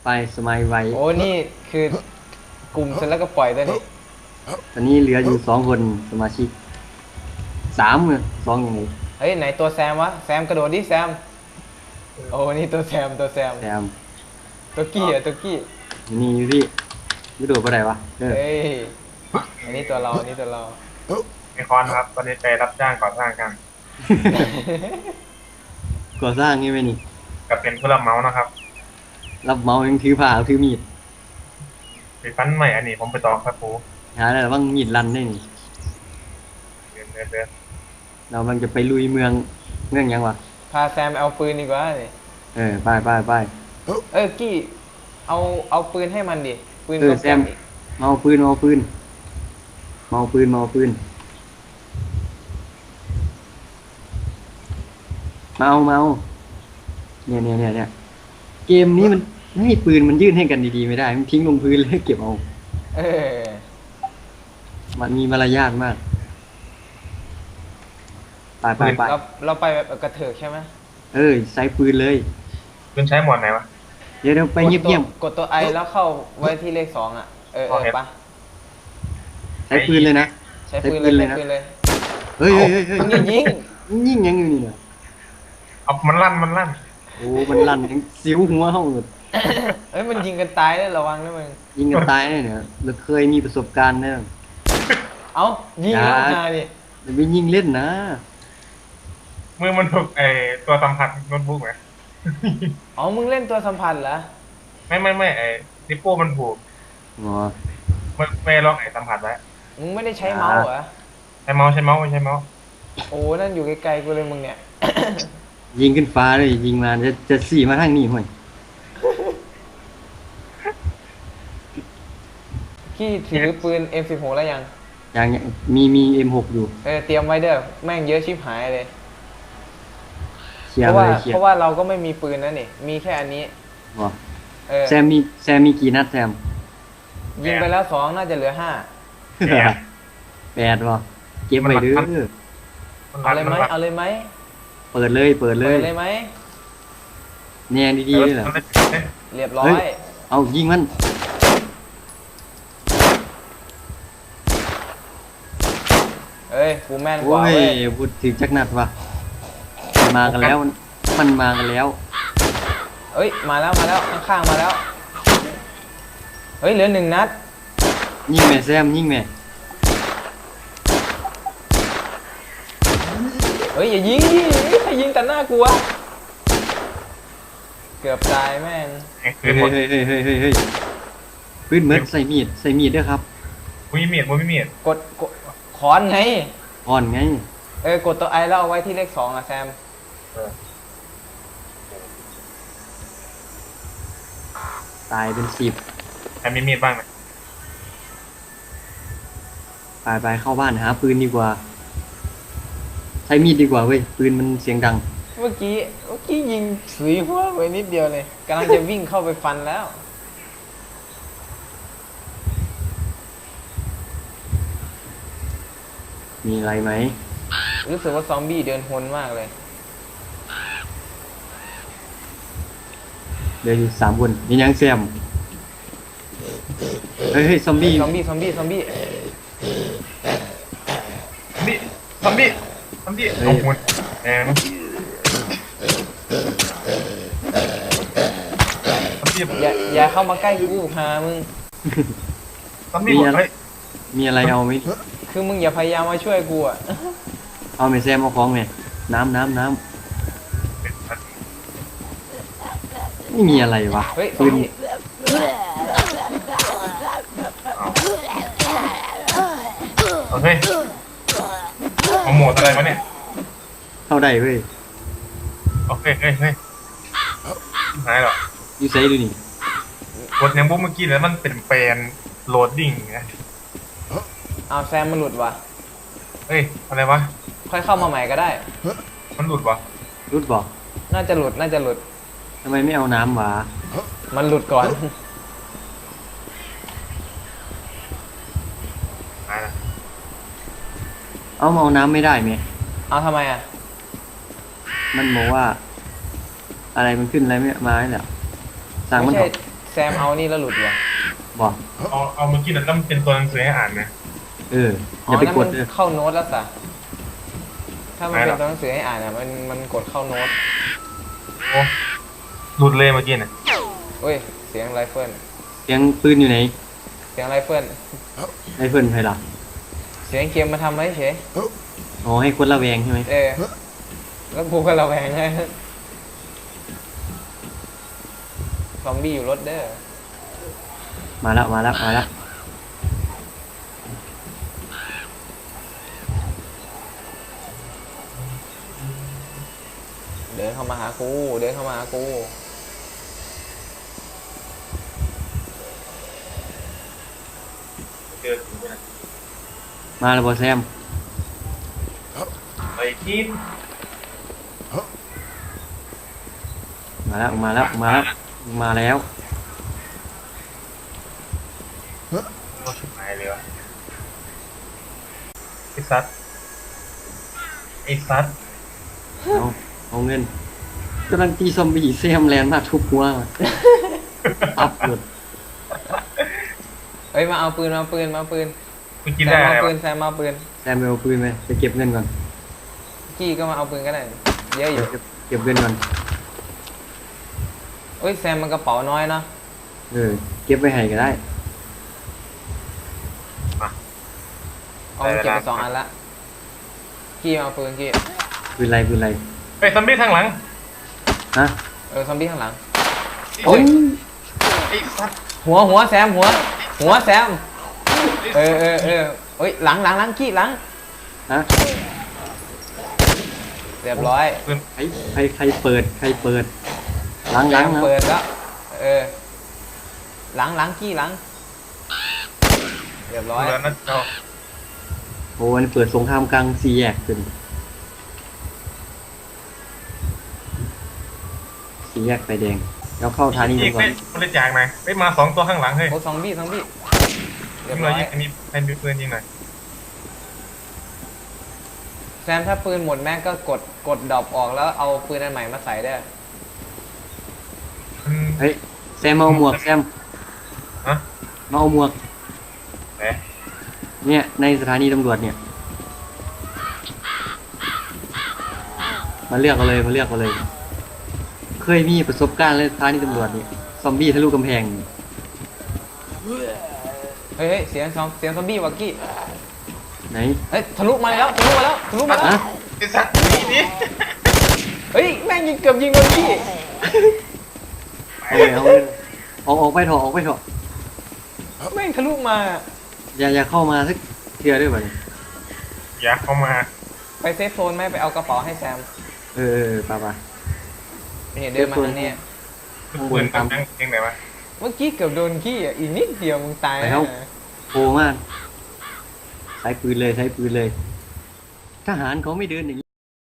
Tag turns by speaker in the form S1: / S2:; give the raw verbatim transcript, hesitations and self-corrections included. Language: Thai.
S1: ไปสมัยไว
S2: โอ้นี่คือกลุ่มเสร็จแล้วก็ปล่อยได้นี่
S1: ตอนนี้เหลืออยู่สองคนสมาชิกสามเนี่ยสองอย่างไร
S2: เฮ้ยไหนตัวแซมวะแซมกระโดดดิแซมโอ้นี่ตัวแซมตัวแซม
S1: แซม
S2: ตัวกี้อะตัวกี้
S1: นี่อยู่ที่ไม่โดดไปไหนวะเออ
S2: เฮ้ยอันนี้ตัวเราอันนี้ตัวเรา
S3: ไอคอนครับตอนนี้ไปรับจ้างก่อสร้างกัน
S1: ก่อสร้างนี่ไหมนี่
S3: กับเป็นผู้รับเหมานะครับ
S1: รับเหมายังถือผ้าถือมีด
S3: ไปฟันใหม่อันนี้ผมไปตอกครับปู
S1: หาได้บ้างมีดรันได้นี่
S3: เดินเดินเดิน
S1: เรากำลังจะไปลุยเมืองเมืองยังวะ
S2: พาแซมเอาปืนดีกว่านี่
S1: เออไปไปไป
S2: เออกี้เอาเอาปืนให้มันดิปืน
S1: เออ
S2: โปร
S1: แซ
S2: แกร
S1: ม
S2: มดิ
S1: เมาปืนเมาปืนเมาปืนเมาปืนเมาเมาเนี่ยเนี่ยเนี่ยเนี่ยเกมนี้มันให้ปืนมันยื่นให้กันดีๆไม่ได้มันทิ้งลงพื้นเลยเก็บเอา
S2: เออ
S1: มันมีมารยาทมากไปไปไป
S2: เราเราไปแบบกระเถิกใช่ไหม
S1: เออใส่ปืนเลย
S3: คุณใช้หมวดไหนวะ
S1: เดี๋ยวเดี๋ยวไปเงียบเงียบ
S2: กดตัวไอแล้วเข้าไว้ที่เลขสองอ่ะเออเออปะ
S1: ใช้ปืนเลยนะ
S2: ใช้ปืนเลย
S1: ใช้ปืนเลย
S2: ใช้
S1: นะ
S2: ปืนเลย
S1: เฮ้ยเฮ้ยเฮ้ยเฮ้ย
S2: มึงอย่ายิง
S1: ยิงยังอยู่นี่เนี่ย
S3: เอามันลั่นมันลั่น
S1: โอ้มันลั่นยังสิวหัวห้องหมด
S2: เอ้ยมันยิงกันตายได้ระวังนะมึง
S1: ยิงกันตายเนี่ยเนี่ยเราเคยมีประสบการณ์เนี่ย
S2: เอ้ายิงแล้ว
S1: อย่า
S2: มาดิ
S1: อย่าไปยิงเล่นนะ
S3: มือมันถูกไอตัวสัมผัสโน้ตบุ๊กไหม
S2: อ๋อมึงเล่นตัวสัมผัสเหรอ
S3: ไม่ไม่ไม่ไอนิปโป้มันถูก
S1: อ๋อ
S3: มันไม่ลองไอสัมผัสไว้
S2: มึงไม่ได้ใช้เมาส์เหรอ
S3: ใช้เมาส์ใช้เมาส์ไม่ใช้เมาส์
S2: โอ้นั่นอยู่ไกลๆกูเลยมึงเนี่ย
S1: ยิงขึ้นฟ้าเลยยิงมาจะจะสี่มาทางนี้ห่วย
S2: พี่ถือปืน เอ็ม สิบหก แล้วยัง
S1: อย่างเงี้ยมีมีเอ็มหกอยู่
S2: เออเตรียมไว้เด้อแม่งเยอะชิบหายเลย
S1: เคลีย
S2: เพ
S1: ร์
S2: ราะ
S1: เล
S2: ว่าย
S1: เคลีย
S2: เพ
S1: ร์
S2: ราะว่าเราก็ไม่มีปืนนะนี่มีแค่อันนี้
S1: อ๋อ
S2: เออ
S1: แซมมีแซมมีกี่นัดแซม
S2: ยิงไปแล้วสองน่าจะเหลือห้า
S1: แปดวะเก็บไว้เด้อ
S3: มัน
S2: เอา
S3: ลั่น
S2: เลยไหม
S3: มันลั่น
S2: เอาเลยไหม
S1: เปิดเลยเปิดเล
S2: เปิ
S1: ย
S2: ดเลยไหม
S1: แนงดีๆเลยเหรอ
S3: มันลั่นเอ๊ะ
S2: เรียบร้อ
S1: เฮ้
S2: ย
S1: ย เอายิงมัน
S2: เอ้ยกูแม่นก
S1: โอ้
S2: ว่าย เว้ย
S1: พูดถึงจักนัดวะมันมากันแล้วมันมากันแล้ว
S2: เอ้ยมาแล้วมาแล้วข้างๆมาแล้วเฮ้ยเหลือหนึ่งนัด
S1: ยิงแม่แซมยิงแม่
S2: เฮ้ยอย่ายิงดิใครยิงแต่หน้ากูวะเกือบตายแม่ง
S3: ไอ้ปื
S1: เฮ้
S3: น
S1: ย
S3: หมด
S1: เฮ้ยเฮ้ยเฮ้ยเฮ้ยเฮ้ยปืนเหมือนใส่มีดใส่มีดด้วยครับ
S3: มุ้ยเมียดมุ้ยเมียด
S2: กดกดขอนไง
S1: อ่อนไง
S2: เออกดตัวไอแล้วเอาไว้ที่เลขสองอะแซม
S3: เออ
S1: ตายเป็นสิบ
S3: ใครมีมีดบ้างไหม
S1: ไปไปเข้าบ้านหาปืนดีกว่า ใช้มีดดีกว่าเว้ยปืนมันเสียงดัง
S2: เมื่อกี้เมื่อกี้ยิงสุยหัวไปนิดเดียวเลยกำลังจะวิ่งเข้าไปฟันแล้ว
S1: มีอะไรไหม
S2: รู้สึกว่าซอมบี้เดินหนมากเลย
S1: เดี๋ยวอยู่สามคนมียังแซมเฮ้ยเฮ้ยซอมบี้
S2: ซอมบี้ซอมบี้ซอมบี้
S3: นี่ทำดิทำดิเอาหมดแอนทำดิ
S2: อย่าอย่าเข้ามาใกล้กูหามึง
S3: ทำดิหมดเฮ้ย
S1: มีอะไรเอาไหม
S2: คือมึงอย่าพยายามมาช่วยกูอะ
S1: เอาไหมแซมเอาของไหมน้ำน้ำน้ำไม่มีอะไรวะ
S2: เฮ้ยซอ
S1: ปื
S2: ม
S1: น
S2: บี้
S3: เอาเฮ้ยเอาหมดอะไรวะเนี่ย
S1: เข้าได้เว้ย
S3: โอเคเฮ้ยเฮ้ยหายหรอ
S1: ยูไซดูนี่
S3: กดยังบุ๊กเมื่อกี้แล้วมันเป็นแปลนโหลดดิ้งไง
S2: เอาแซมมันหลุดว่ะ
S3: เฮ้ยอะไรวะ
S2: ค่อยเข้ามาใหม่ก็ได้
S3: มันหลุดวะ
S1: รุดบอก
S2: น่าจะหลุดน่าจะหลุด
S1: ทำไมไม่เอาน้ำวะ
S2: มันหลุดก่อน
S3: หายละ
S1: เอามาเอาน้ำไม่ได้ไหม
S2: เอาทำไมอะ
S1: มันบอกว่า อะไรมันขึ้นอะไรไม่มาเนี่ยสั่ง
S2: ไม่
S1: มัน
S2: ใช่
S1: บอก
S2: แซมเอานี่แล้วหลุดว่ะ
S1: บอก
S3: เอาเอาเมื่อกี้นั่นต้องเป็นตัวหนังสือให้อ่านนะ
S1: เอออย่าไป
S2: นั่น
S1: ก
S2: มั
S1: ด
S2: น
S1: เลย
S2: เข้าโน้ตแล้วสะถ้ามัน
S3: ไม่ห
S2: เป็
S3: ร
S2: น
S3: อก
S2: ตัวหนังสือให้อ่านอ่ะมันมันกดเข้าโน้ต
S3: โอ้หลุดเลยเมื่อกี้น่ะ
S2: เฮ้ยเสียงไรเฟิล
S1: เสียงปืนอยู่ไหน
S2: เสียงไรเฟิล
S1: ไอ้เพื่อนใครล่ะ
S2: เสียงเกมมาทำไว้เฉย
S1: อ๋อให้คนระแวงใช่ไหม
S2: เออแล้วกูก็ระแวงไงซอมบี้อยู่รถเด้อ
S1: มาแล้วมาแล้วมาแล้ว
S2: เดินเข้ามาหากูเดินเข้ามาหากู
S3: เจอถึงนะ
S1: มาแล้วบอแซม
S3: ไปกิน
S1: มาแล้วมาแล้วมาแล้วมาแล้ว
S3: โอ้ชิบหายเลยวะไอ้ซัดไอ้ซัด
S1: เอาเอาเงินกำลังตีซอมบี้แซมแลนด์มาทุบหัวอัพหมด
S2: เฮ้ยมาเอาปืนมาเอาปืนมาเอาปืน
S3: มึงกิน
S2: แซ
S3: ได้
S2: ม
S3: อะไร
S2: เอาปื
S3: วะ
S2: นแซมมาเอาปืน
S1: แซมไปเอาปืนไหมจะเก็บเงินก่อน
S2: กี้ก็มาเอาปืนก็ได้เยอะอยู่
S1: เก็บเก็บเงินก่อน
S2: เฮ้ยแซมมันกระเป๋าน้อยเนาะ
S1: เออเก็บไว้ให้ก็ได้
S2: เอาไปเก็บไปสองอันละกี้มาเอาปืนกี้
S1: ปืนไรปืนไร
S3: ไอ้ซอมบี้ข้างหลัง
S1: ฮะ
S2: เออซอมบี้ข้างหลัง
S1: โอ้ย
S3: ไอ้ซัด
S2: หัวหัวแซมหัว หัวแซมเออเออเออเฮ้ยหลังหลังหลังกี้หลัง
S1: ฮะ
S2: เรียบร้อย
S1: ใครใครใครเปิดใครเปิดล้าง
S2: แซ
S1: ล้าง
S2: ม
S1: นะ
S2: เปิดแล้วเออหลังหลังกี้หลังเรียบร้อย
S3: แล้วนะเจ้า
S1: โอ้มันเปิดสงครามกลางสี่แยกขึ้นสี่แยกไฟแดงแล้วเข้าทางนี้
S3: อี
S1: ดี
S3: ก
S1: กว่า
S3: เป็นบริจาคหน่อยไปมาสองตัวข้างหลังเฮ้ย
S2: โอ้ซอมบี้ซอมบี้เรี
S3: ยิ
S2: ย
S3: ง
S2: บ
S3: เล
S2: ร้
S3: ย
S2: อย
S3: ยิงอันนี้ให้มีปืนยิงหน่อย
S2: แซมถ้าปืนหมดแม็กก็กดกดดรอปออกแล้วเอาปืนอันใหม่มาใส่ได้
S3: อืม
S1: เฮ้ยแซมมาเอาหมวกแซม
S3: ฮะ
S1: มาเอาหมวก
S3: ไหน
S1: เนี่ยในสถานีตำรวจเนี่ยมาเลือกเอาเลยมาเลือกเอาเลย เคยมีประสบการณ์เลยสถานีตำรวจนี่ซอมบี้ทะลุกำแพง
S2: เฮ้ยเฮ้ยเสียงซอมเสียงซอมบี้วักกี้
S1: ไหน
S2: เฮ้ยทะลุมาแล้วทะลุมาแล้วทะลุมาแล้ว
S1: ฮะ
S3: ไอ้ซัดนี่นี่
S2: เฮ้ยแม่งยิงเกือบยิงโดนกี้
S1: เอาเลยเอาเลยออกออกไปเถอะออกไปเถอะ
S2: แม่งทะลุมา
S1: อย่าอย่าเข้ามาสักเทือด้วยบ่เนี่ย
S3: อยากเข้ามา
S2: ไปเซฟโซนไหมไปเอากระเป๋าให้แซม
S1: เออเออป่าป่า
S2: เนี่ยเดินมาทางเนี้ย
S3: ปืนตั้งยังไงวะ
S2: เมื่อกี้เกือบโดนกี้อ่ะอีกนิดเดียวมึงตายแล้วนะ
S1: โผล่มากใช้ปืนเลยใช้ปืนเลย ทหารเขาไม่เดินอย่างนี้